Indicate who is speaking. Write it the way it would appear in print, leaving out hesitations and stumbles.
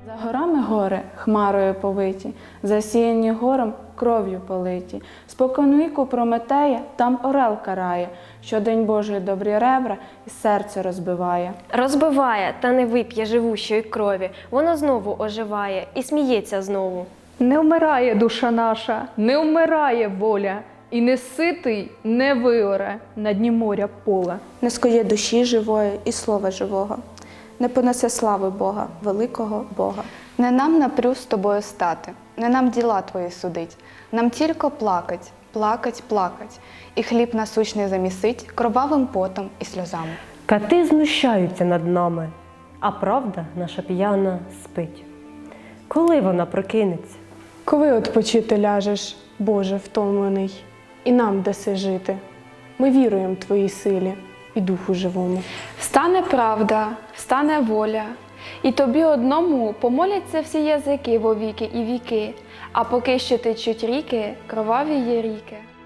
Speaker 1: За горами гори хмарою повиті, засіяні гором кров'ю политі. Споконвіку Прометея там орел карає, що день Божий добрі ребра і серце розбиває.
Speaker 2: Розбиває, та не вип'є живущої крові, воно знову оживає і сміється знову.
Speaker 3: Не вмирає душа наша, не вмирає воля, і не ситий не виоре на дні моря поле.
Speaker 4: Не скує душі живої і слова живого, не понесе слави Бога, великого Бога.
Speaker 5: Не нам напрю з тобою стати, не нам діла твої судить, нам тільки плакать, плакать, плакать, і хліб насущний замісить кровавим потом і сльозами.
Speaker 6: Кати знущаються над нами, а правда наша п'яна спить. Коли вона прокинеться?
Speaker 7: Коли odpoчити ляжеш, Боже втомлений, і нам даси жити. Ми віруємо Твоїй силі і Духу живому.
Speaker 8: Встане правда, встане воля, і тобі одному помоляться всі язики во віки і віки, а поки що течуть ріки, кроваві є ріки.